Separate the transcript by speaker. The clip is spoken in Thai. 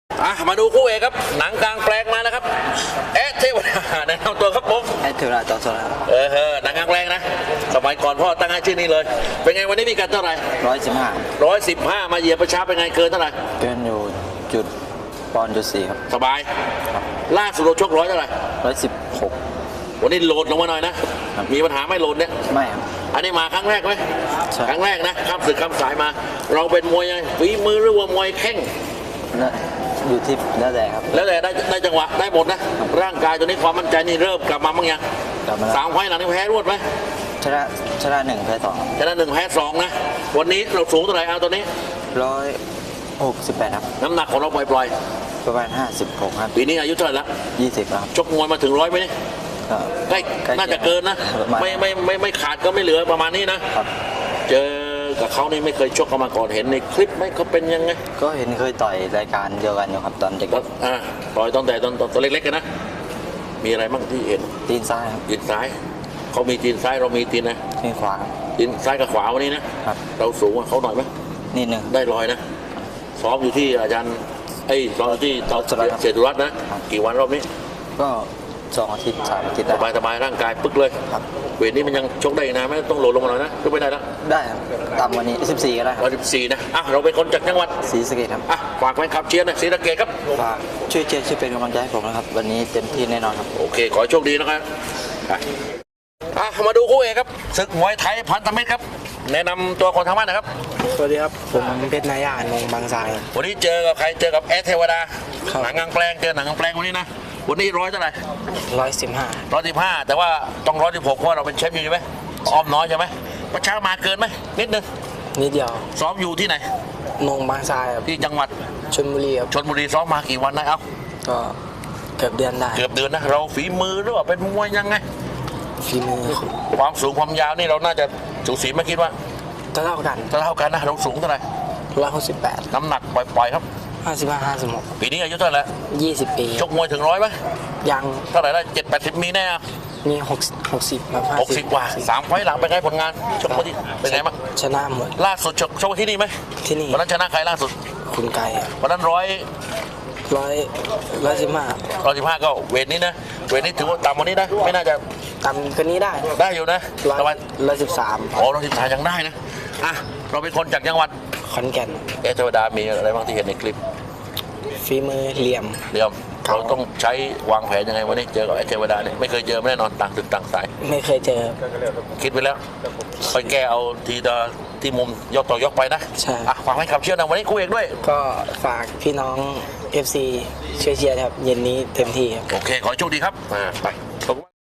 Speaker 1: มาดูคู่เอกครับหนังกลางแปลงมาแล้วครับเอ๊ะเทวดาแนะนำตัวครับผม
Speaker 2: เทวดาจอมโซนครับ
Speaker 1: หนังกลางแปลงนะสมัยก่อนพ่อตั้งให้ชื่อนี้เลยเป็นไงวันนี้มีกันเท่าไหร่
Speaker 2: 115
Speaker 1: มาเหยียบประชาเป็นไงเกินเท่าไหร่
Speaker 2: เกินอยู่จุดปอนด์จุด 4ครับ
Speaker 1: สบายล่าสุดเราชกเท่าไหร่
Speaker 2: 116
Speaker 1: วันนี้โหลดลงมาหน่อยนะมีปัญหาไม่โหลดเนี่ย
Speaker 2: ไม่ครับ
Speaker 1: อันนี้มาครั้งแรกไหมครั้งแรกนะข้ามศึกข้ามสายมาเราเป็นมวยยังฝีมือหรือว่ามวยแข้ง
Speaker 2: อยู่ที่แล้วแต่ครับ
Speaker 1: แล้วแต่ได้จังหวะได้หมดนะร่างกายตัวนี้ความมั่นใจนี่เริ่มกลับมาบ้างยัง3 ไฟล์หลังนี้แพ้รวดไหม
Speaker 2: ชนะ1แพ้2
Speaker 1: ชนะ1แพ้2นะวันนี้เราสูงเท่าไหร่เอาตัวนี้
Speaker 2: 168ครับ
Speaker 1: น้ำหนักของเราปล่อย
Speaker 2: ประมาณ56ครับ
Speaker 1: ปีนี้อายุเท่าไหร่ละ
Speaker 2: 20ครับ
Speaker 1: ชกมวยมาถึง100ไหมนี่ใกล้น่าจะเกินนะไม่ขาดก็ไม่เหลือประมาณนี้นะเจอกับเขานี่ไม่เคยชกกันมาก่อนเห็นในคลิปไหมเขาเป็นยังไง
Speaker 2: ก็เห็นเคยต่อยรายการเดียวกันอยู่ครับตอนเด็ก
Speaker 1: ต่อยตอนเล็กๆกันนะมีอะไรบ้างที่เห็น
Speaker 2: ตีนซ้าย
Speaker 1: ตีนซ้ายเขามีตีนซ้ายเรามีตีนนะ
Speaker 2: ตีนขวา
Speaker 1: ตีนซ้ายกับขวาวันนี้นะเราสูงกว่าเขาหน่อยไหม
Speaker 2: นิดนึง
Speaker 1: ได้ลอยนะซ้อมอยู่ที่อาจารย์ซ้อมอยู่ที่เศรษฐรัตน์นะกี่วันรอบนี้
Speaker 2: ก็2 อาทิตย์3 อาทิตย์
Speaker 1: สบายร่างกายปึ๊กเลยเวทนี้มันยังชกได้นะไม่ต้องโหลดลงมาหน่อยนะก็ไม่ได้แล้ว
Speaker 2: ได้ครับต่ำกว่านี้14ก็ได้ครับ
Speaker 1: 14นะเราเป็นคนจากจังหวัด
Speaker 2: ศรีสะเกษครับ
Speaker 1: ฝากแฟนคลับเชียร์นะศรีสะเกษครับ
Speaker 2: ฝากช่วยเชียร์ช่วยเป็นกำลังใจให้ผมนะครับวันนี้เต็มที่แน่นอนครับ
Speaker 1: โอเคขอโชคดีนะครับมาดูคู่เอกครับศึกมวยไทยพันธมิตรครับแนะนำตัวคนทางบ้านนะครับ
Speaker 2: สวัสดีครับผมเพชรนายานงบางทราย
Speaker 1: วันนี้เจอกับใครเจอกับแอดเทวดาหนังกลางแปลงเจอหนังกลางแปลงวันนี้นะวันนี้เท่าไหร่115แต่ว่าต้อง116เพราะเราเป็นแชมป์อยู่ใช่ไหมอ้อมน้อยใช่ไหมประชามาเกินไหมนิดนึง
Speaker 2: นิดเดียว
Speaker 1: ซ้อมอยู่ที่ไหน
Speaker 2: นงบางทราย
Speaker 1: ที่จังหวัด
Speaker 2: ชลบุรีครับ
Speaker 1: ชลบุรีซ้อมมากี่วันนะ
Speaker 2: ก็เกือบเดือนได้
Speaker 1: เกือบเดือนนะเราฝีมือหรือว่าเป็นมวยยังไง
Speaker 2: ฝีมือ
Speaker 1: ความสูงความยาวนี่เราน่าจะสูสีไม่คิดว่า
Speaker 2: เท่ากัน
Speaker 1: นะเราสูงเท่าไหร่
Speaker 2: 168
Speaker 1: น้ำหนักปล่อยครับ
Speaker 2: 55-56
Speaker 1: ปีนี้อายุเท่าไหร่
Speaker 2: 20 ปี
Speaker 1: ชกมวยถึง100ไหม
Speaker 2: ยัง
Speaker 1: เท่าไหร่ได้70มีแน่
Speaker 2: มี60แบบ
Speaker 1: 60กว่า3 ไฟล์หลังเป็นไงผลงานชกมาที่เป็นไงบ้าง
Speaker 2: ชนะหมด
Speaker 1: ล่าสุดชกที่นี่ไหม
Speaker 2: ที่นี่
Speaker 1: วันนั้นชนะใครล่าสุด
Speaker 2: คุณไก่
Speaker 1: วันนั้น115ก็เวทนี้นะเวทนี้ถือว่าต่ำกว่านี้นะไม่น่าจะ
Speaker 2: ต่ำกว่านี้ได้
Speaker 1: อยู่นะ
Speaker 2: ประมาณ113
Speaker 1: 113ยังได้นะเราเป็นคนจากจังหวัด
Speaker 2: ขอนแก่น
Speaker 1: เทวดามีอะไรบ้างที่เห็นในคลิป
Speaker 2: ฝีมือเหลี่ยม
Speaker 1: เราต้องใช้วางแผนยังไงวันนี้เจอกับเทวดาเนี่ยไม่เคยเจอแน่นอนต่างตึกต่างสาย
Speaker 2: ไม่เคยเจอ
Speaker 1: คิดไปแล้วไปแก้เอาทีที่มุมยกต่อยกไปนะ
Speaker 2: ใช่
Speaker 1: ฝากให้ขับเชื่อนะวันนี้คู่เอกด้วย
Speaker 2: ก็ฝากพี่น้อง FC ช่วยเชียร์ครับเย็นนี้เต็มที่ครับ
Speaker 1: โอเคขอโชคดีครับไป